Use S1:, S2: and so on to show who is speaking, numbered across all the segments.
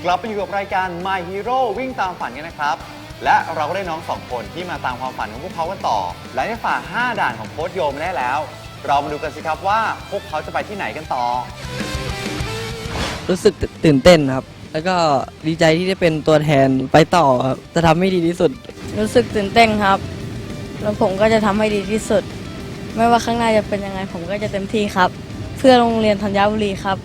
S1: ลับไปอยู่กับรายการ My Hero วิ่งตามฝันกันนะครับและเราก็ได้น้องสองคนที่มาตามความฝันของพวกเขากันต่อและได้ฝ่า5 ด่านของโค้ชโยมได้แล้วเรามาดูกันสิครับว่าพวกเขาจะไปที่ไหนกันต่อ
S2: รู้สึกตื่นเต้นครับแล้วก็ดีใจที่ได้เป็นตัวแทนไปต่อครับจะทำให้ดีที่สุด
S3: รู้สึกตื่นเต้นครับแล้วผมก็จะทำให้ดีที่สุดไม่ว่าข้างหน้าจะเป็นยังไงผมก็จะเต็มที่ครับเพื่อโรงเรียนธัญบุรีครับ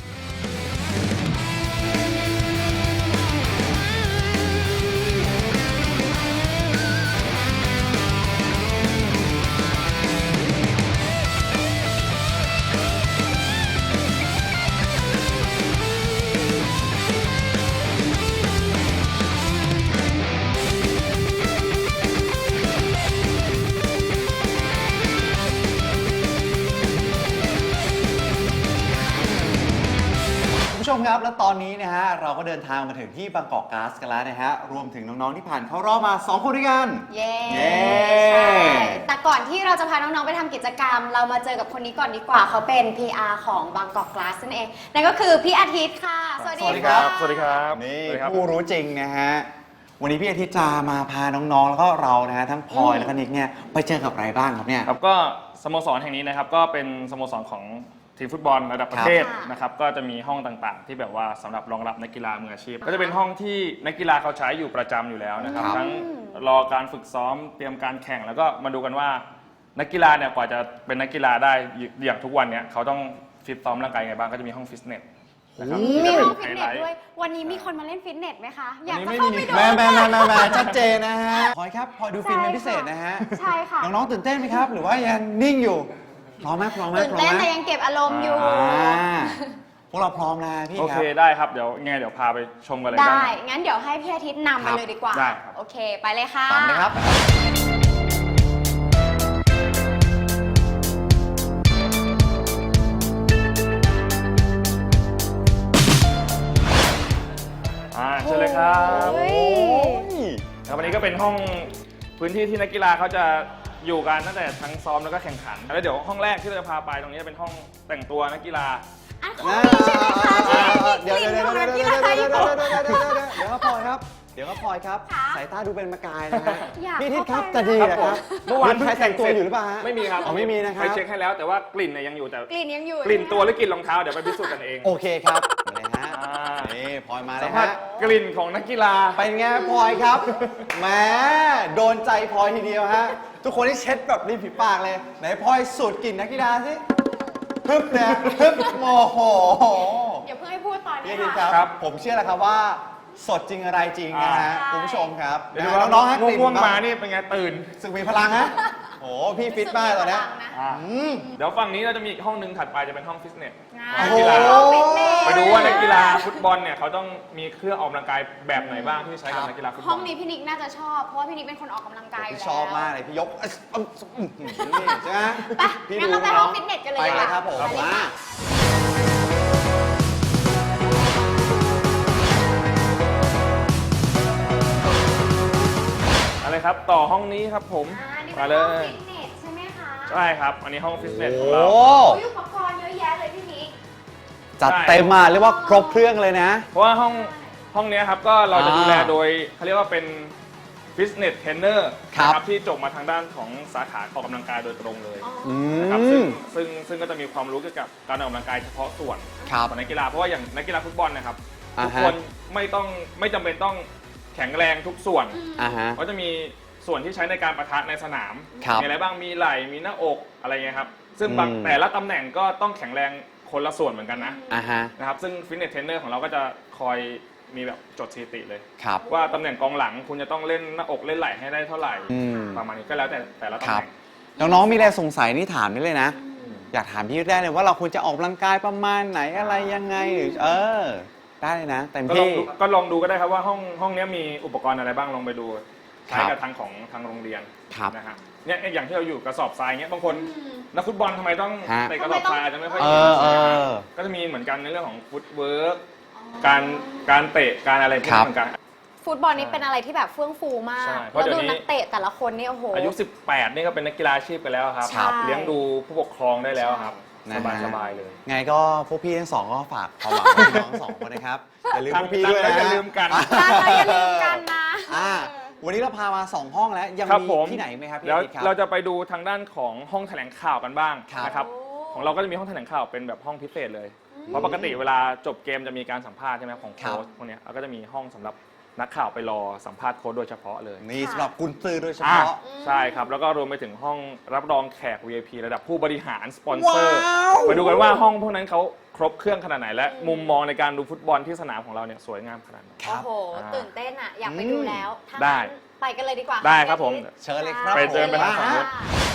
S1: ผู้ชมครับและตอนนี้นะฮะเราก็เดินทางมาถึงที่บางกอกก๊าซกันแล้วนะฮะรวมถึงน้องๆที่ผ่านเข้ารอบมา2 คนด้วยกัน
S4: เย้ใช่แต่ก่อนที่เราจะพาน้องๆไปทำกิจกรรมเรามาเจอกับคนนี้ก่อนดีกว่าเขาเป็น PR ของบางกอกก๊าซนั่นเองนั่นก็คือพี่อาทิตย์ค่ะสวัสดีครับ
S5: สวัสดีครับ
S1: นี่ผู้รู้จริงนะฮะวันนี้พี่อาทิตย์จะมาพาน้องๆแล้วก็เรานะฮะทั้งพลอยแล้วก็นิกเนี่ยไปเจอกับอะไรบ้างครับเนี่ย
S5: ครับก็สโมสรแห่งนี้นะครับก็เป็นสโมสรของทีมฟุตบอลระดับประเทศนะครับก็จะมีห้องต่างๆที่แบบว่าสำหรับรองรับนักกีฬามืออาชีพก็จะเป็นห้องที่นักกีฬาเขาใช้อยู่ประจำอยู่แล้วนะครับทั้งรอการฝึกซ้อมเตรียมการแข่งแล้วก็มาดูกันว่านักกีฬาเนี่ยกว่าจะเป็นนักกีฬาได้อย่างทุกวันเนี่ยเขาต้องฟิตซ้อมร่างกายไงบ้างก็จะมีห้องฟิตเนสนะครับ
S4: มีห้องฟิตเนสด้วยวันนี้มีคนมาเล่นฟิตเนสไหมคะอยากจะเข้าไปดู
S1: แม่ชัดเจนนะฮะพลอยครับพลอยดูฟิล์มเป็นพิเศษนะฮะ
S4: ใช่ค่ะ
S1: น้องๆตื่นเต้นไหมครับหรือว่ายังนิ่งอยู่พร้อมไหม
S4: ตื่นเต้นแต่ยังเก็บอารมณ์อยู่
S1: พวกเราพร้อมแล้วพี่ครับ
S5: โอเคได้ครับเดี๋ยวพาไปชมกันเลย
S4: ได้งั้นเดี๋ยวให้พี่อาทิตย์นำไปเลยดีกว่า
S5: ได้
S4: โอเคไปเลยค่ะ
S1: ตามเลยครับ
S5: เชิญเลยครับครับวันนี้ก็เป็นห้องพื้นที่ที่นักกีฬาเขาจะอยู่กันตั้งแต่ทั้งซ้อมแล้วก็แข่งขันแล้วเดี๋ยวห้องแรกที่เราจะพาไปตรงนี้จะเป็นห้องแต่งตัวนักกีฬา
S4: ห้องนี้ใช่ไหมคะ
S1: เดี๋ยวครับพลอยครับสายตาดูเป็นประกายนะฮะพี่ทิศครับจะดีนะครับเมื่อวานใครแต่งตัวอยู่หรือเปล่าฮะ
S5: ไม่มีครับ
S1: ไม่มีนะครับ
S5: ไปเช็คให้แล้วแต่ว่ากลิ่นยังอยู่แต่
S4: กลิ่นยังอยู่
S5: กลิ่นตัวหรือกลิ่นรองเท้าเดี๋ยวไปพิสูจน์กันเอง
S1: โอเคครับเลยฮะนี่พลอยมาแล้วฮะ
S5: กลิ่นของนักกีฬา
S1: เป็นไงพลอยครับแหมโดนใจพลอยทีเดียวฮะทุกคนที่เช็ดแบบริมฝีปากเลยไหนพลอยสูดกลิ่นนักกีฬาสิฮึบเนี่ยฮึบโมโห
S4: อย่าเพิ่งให้พูดตอนนี้
S1: ครับผมเชื่อแล้วครับว่าสดจริงอะไรจริงนะฮะคุณผู้ชมครับ
S5: เดี๋ยวน้องๆง่วงมานี่เป็นไงตื่น
S1: สึกมีพลังฮะโอ้พี่ฟิตมากตอนนี้
S5: เดี๋ยวฝั่งนี้เราจะมีอีกห้องนึงถัดไปจะเป็นห้องฟิตเนส
S1: นักกีฬา
S5: ไปดูว่านักกีฬาฟุตบอลเนี่ยเขาต้องมีเครื่องออกกำลังกายแบบไหนบ้างที่ใช้กับนักกีฬาฟุตบอล
S4: ห้องนี้พี่นิกน่าจะชอบเพราะว่าพี่นิกเป็นคนออกกำลังกายอยู่แล้ว
S1: ชอบมากเลยพี่ยกใช่ไหม
S4: ไปงั้นเราไปห้องฟิตเนสกันเลย
S1: ไปเลยครับผม
S5: อะไรครับต่อห้องนี้ครับผม
S4: มาเลยฟิตเนสใช่ไหมคะ
S5: ใช่ครับอันนี้ห้องฟิตเนสของเรา
S4: อุปกรณ์เยอะแยะเลยพี่นิก
S1: จัดเต็มมาเรียกว่าครบเครื่องเลยนะ
S5: เพราะว่าห้องนี้ครับก็เราจะดูแลโดยเขาเรียกว่าเป็นฟิตเนสเทรนเนอร์นะครับที่จบมาทางด้านของสาขาออกกำลังกายโดยตรงเลยนะครับซึ่งก็จะมีความรู้เกี่ยวกับการออกกำลังกายเฉพาะส่วนของนักกีฬาเพราะว่าอย่างนักกีฬาฟุตบอลนะครับทุกคนไม่จำเป็นต้องแข็งแรงทุกส่วนก็จะมีส่วนที่ใช้ในการปะทะในสนามมีอะไรบ้างมีไหล่มีหน้าอกอะไรเงี้ยครับซึ่งแต่ละตำแหน่งก็ต้องแข็งแรงคนละส่วนเหมือนกันนะครับซึ่งฟิตเนสเทรนเนอร์ของเราก็จะคอยมีแบบจดสถิติเลยว่าตำแหน่งกองหลังคุณจะต้องเล่นหน้าอกเล่นไหล่ให้ได้เท่าไหร่ประมาณนี้ก็แล้วแต่ละตำแหน่ง
S1: น้องๆมีอะไรสงสัยนี่ถามได้เลยนะอยากถามพี่ได้เลยว่าเราควรจะออกกำลังกายประมาณไหนอะไรยังไงหรือได้เลยนะแต่พี่
S5: ก็ลองดูก็ได้ครับว่าห้องนี้มีอุปกรณ์อะไรบ้างลองไปดูใช้กับทางโรงเรียนนะฮะเนี่ยอย่างที่เราอยู่กระสอบทรายเงี้ยบางคนนักฟุตบอลทำไมต้องเตะกระสอบทรายอาจจะไม่ค่อยก็จะมีเหมือนกันในเรื่องของฟุตเวิร์กการเตะการอะไรพวกนี้เหมือนกัน
S4: ฟุตบอลนี่เป็นอะไรที่แบบเฟื่องฟูมากแล้วดูนักเตะแต่ละคนนี่โอ้โห
S5: อายุ18นี่ก็เป็นนักกีฬาอาชีพกันแล้วครับเลี้ยงดูผู้ปกครองได้แล้วครับ
S1: นะฮะ
S5: สบายๆเลย
S1: ไงก็พวกพี่ทั้งสองก็ฝากความหวังไว้ที่น้องสองคนนะครับอย่าลืมพวกพี่ด้วยนะ
S5: อย่าลืมกัน
S4: อย่าลืมกันนะ
S1: วันนี้เราพามา2ห้องแล้วยัง
S5: ครับ
S1: มี
S5: ผม
S1: ที่ไหนไหมครับพี่
S5: แล้ว
S1: อาทิตย์ครับ
S5: เราจะไปดูทางด้านของห้องแถลงข่าวกันบ้าง
S1: ครับ
S5: นะครับของเราก็จะมีห้องแถลงข่าวเป็นแบบห้องพิเศษเลยเพราะปกติเวลาจบเกมจะมีการสัมภาษณ์ใช่ไหมของโค้ชพวกเนี้ยเราก็จะมีห้องสำหรับนักข่าวไปรอสัมภาษณ์โค้ชโดยเฉพาะเลย
S1: นี่สำหรับกุญซือโดยเฉ
S5: อ่า
S1: พาะ
S5: ใช่ครับ แล้วก็รวมไปถึงห้องรับรองแขก VIP ระดับผู้บริหารสปอนเซอร์
S1: ว้าว
S5: ไปดูกันว่าห้องพวกนั้นเขาครบเครื่องขนาดไหน และมุมมองในการดูฟุตบอลที่สนามของเราเนี่ยสวยงามขนาดไหน
S4: โอ้โห ตื่นเต้นอ่ะ อยากไปดูแล้วถ้า
S5: ได้
S4: งั้นไปกันเลยดีกว่าะ
S5: ได้ครับผม
S4: พี่อาทิตย์
S1: เชิญเลยครับ
S5: ไปเดินไปทางฝั่งนู้น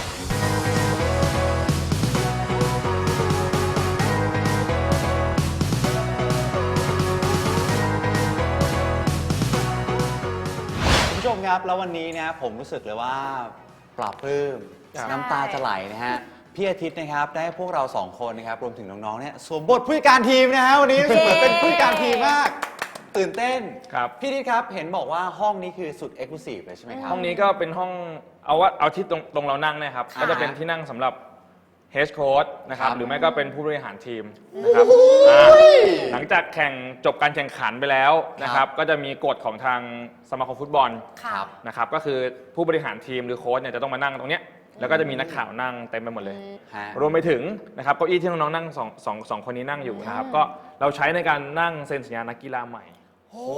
S1: คุณผู้ชมครับแล้ววันนี้นะผมรู้สึกเลยว่าปลาบปลื้ม
S4: ใช่
S1: น้ำตาจะไหลนะฮะพี่อาทิตย์นะครับได้พวกเรา2คนนะครับรวมถึงน้องๆเนี่ยสวมบทผู้จัดการทีมนะฮะวันนี้รู้สึกเหมือนเป็นผู้จัดการทีมมาก ตื่นเต้น
S5: ครับ
S1: พี่อาทิตย์ครับเห็นบอกว่าห้องนี้คือสุดเอ็กซ์คลูซีฟเลยใช่ไหมครับ
S5: ห้องนี้ก็เป็นห้องเอาที่ตรงเรานั่งเนะครับ
S1: อ่า
S5: ก็จะเป็นที่นั่งสำหรับเฮดโค้ชนะครับ
S1: ครับ
S5: หรือไม่ก็เป็นผู้บริหารทีมนะครับหลังจากจบการแข่งขันไปแล้วนะครับ ก็จะมีกฎของทางสมาคมฟุตบอล
S4: ค่ะ
S5: นะครับก็คือผู้บริหารทีมหรือโค้ชเนี่ยจะต้องมานั่งตรงเนี้ยแล้วก็จะมีนักข่าวนั่งเต็มไปหมดเลย
S1: ฮะ
S5: รวมไปถึงนะครับเก้าอี้ที่น้องๆนั่งสองคนนี้นั่งอยู่นะครับก็เราใช้ในการนั่งเซ็นสัญญานักกีฬาใหม่
S1: โอ้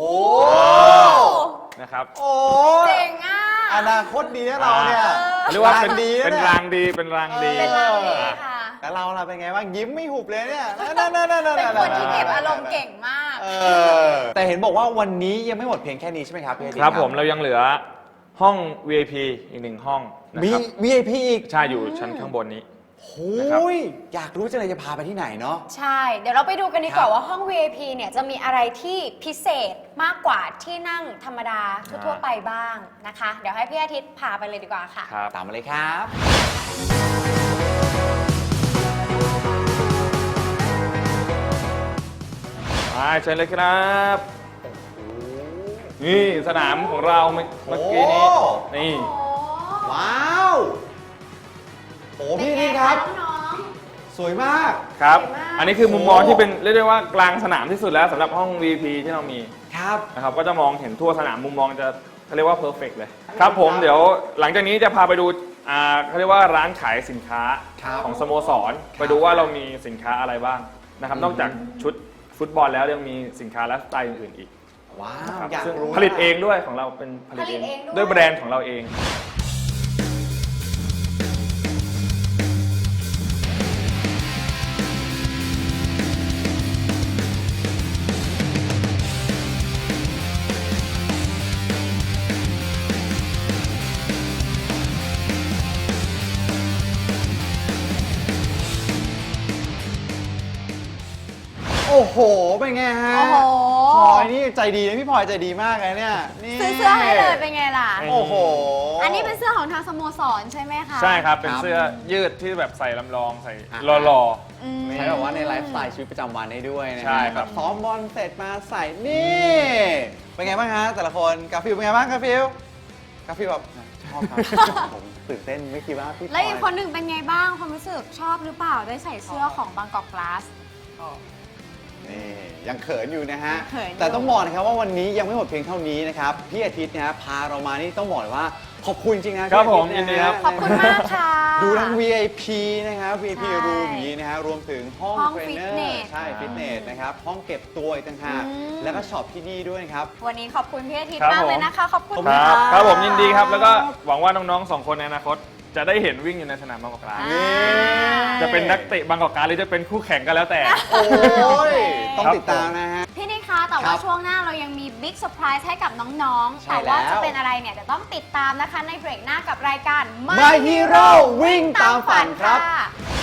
S5: นะครับ
S1: โอ้
S4: เจ๋งอ่ะ
S1: อนาคตดีนะเราเนี่ย
S5: เรียกว่าเป็น
S1: ดีะ
S5: เป็น
S1: ย
S5: รางดีเป็นรางดี
S4: เป็นรางดีค่ะ
S1: แล้วเราล่ะเป็นไงบ้างยิ้มไม่หุบเลยเนี่ยนั่น
S4: เป็นคนที่เก็บอารมณ์เก่งมาก
S1: แต่เห็นบอกว่าวันนี้ยังไม่หมดเพียงแค่นี้ใช่ไหมครับพี่อาทิตย์
S5: ครับผมเรายังเหลือห้อง VIP อีก1ห้องนะ
S1: มี
S5: ครับ
S1: VIP อีก
S5: ใช่อยู่ชั้นข้างบนนี้
S1: โอ้ยอยากรู้จังเลยจะพาไปที่ไหนเนาะ
S4: ใช่ เดี๋ยวเราไปดูกันดีกว่า
S1: ครับ
S4: ว่าห้อง VIP เนี่ยจะมีอะไรที่พิเศษมากกว่าที่นั่งธรรมดาทั่วๆไปบ้างนะคะ เดี๋ยวให้พี่อาทิตย์พาไปเลยดีกว่าค่ะ
S5: ครับ
S1: ตามมาเลยครับ
S5: มาเชิญเลยครับ นี่สนามของเราเมื่อกี้นี้
S1: โอ้
S5: นี่
S1: ว้าวโอ้พี่อาทิตย์ครับ
S4: น้อง
S1: สวยมาก
S5: ครับ
S4: สวยมาก
S5: อันนี้คือมุมมองที่เป็นเรียกได้ว่ากลางสนามที่สุดแล้วสำหรับห้อง VIP ที่เรามี
S1: ครับ
S5: นะครับก็จะมองเห็นทั่วสนามมุมมองจะเขาเรียกว่าเพอร์เฟกเลยครับผมเดี๋ยวหลังจากนี้จะพาไปดูเขาเรียกว่าร้านขายสินค้า
S1: ครับ
S5: ของสโมสรไปดูว่าเรามีสินค้าอะไรบ้างนะครับนอกจากชุดฟุตบอลแล้วยังมีสินค้าไลฟ์สไตล์อื่นๆอีก
S1: ว้า
S5: นะ
S1: ว
S5: ครับ
S1: อยาก
S5: ซึ่ง
S1: รู้
S5: ผลิตเองด้วยของเราเป็นผลิตเอง
S4: ผลิตเองด้วย
S5: ด้วยแบรนด์ของเราเอง
S1: โอ้โหเป็นไงฮะ
S4: โอ้โห
S1: พลอยนี่ใจดีนะพี่พลอยใจดีมากเลยเนี่ยนี่
S4: ซื้อเสื้อให้เลยเป็นไงล่ะ
S1: โอ้โห
S4: อันนี้เป็นเสื้อของทางสโมสรใช่ไหมคะ
S5: ใช่ครับเป็น
S1: ครับ
S5: เสื้อยืดที่แบบใส่ลำลองใส่
S1: อ่า
S5: หล่อ
S4: อืม
S1: ใช้แบบว่าในไลฟ์สไตล์ชีวิตประจำวันได้ด้วยนะฮะ
S5: ใช่ครับ
S1: แซ้อมบอลเสร็จมาใส่นี่เป็นไงบ้างฮะแต่ละคนกาฟิลเป็นไงบ้างกาฟิลแบบชอบครับ ผมตื่นเต้นไม่คิดว่าพี่พล
S4: แล้วอีก
S1: อย
S4: คนหนึ่งเป็นไงบ้างความรู้สึกชอบหรือเปล่าได้ใส่เสื้อของบางกอกกลาส
S1: นี่ยังเขินอยู่นะฮะ
S4: เขินอยู่
S1: แต่ต้องบอกนะครับว่าวันนี้ยังไม่หมดเพียงเท่านี้นะครับพี่อาทิตย์นะฮะพาเรามานี่ต้องบอกเลยว่าขอบคุณจริงนะ
S5: ครับ
S1: พี่อาทิต
S5: ผมยินดีครับ
S4: ขอบคุณมากค่ะ
S1: ดูทั้ง VIP นะครับ VIP
S4: ใช่
S1: รูมนี้นะฮะรวมถึงห้อง
S4: ห้อง
S1: เทรนเนอ
S4: ฟิตเน
S1: ร์
S4: ส
S1: ใช่ฟิตเนสนะครับห้องเก็บตัวอีกต่างหาก
S4: อืม
S1: แล้วก็ช็อปที่นี่ด้วยนะครับ
S4: วันนี้ขอบคุณพี่อาทิตย์
S5: ครับ
S4: มาก
S5: ผม
S4: เลยนะคะ ขอบคุณ
S1: ขอบ
S5: ๆ
S1: ณ
S5: ครับ
S4: ะ
S5: ครับผมยินดีครับ แล้วก็หวังว่าน้องๆ2คนในอนาคตจะได้เห็นวิ่งอยู่ในสนามบางกอกกลาส
S4: อ่า
S5: จะเป็นนักเตะบางกอกกลาสหรือจะเป็นคู่แข่งก็แล้วแต่
S1: โอ้ยต้อง
S5: ครับ
S1: ติดตามนะฮะ
S4: พี่นิคะแต่
S1: ครั
S4: ว่า
S1: บ
S4: ช่วงหน้าเรายังมีบิ๊กเซอร์ไพรส์ให้กับน้องๆ
S1: ใช่
S4: แต่ว่า
S1: แล้ว
S4: จะเป็นอะไรเนี่ยเดี๋ยวต้องติดตามนะคะในเบรกหน้ากับรายการ
S1: My Hero วิ่งตามฝันครับ
S4: ค่ะ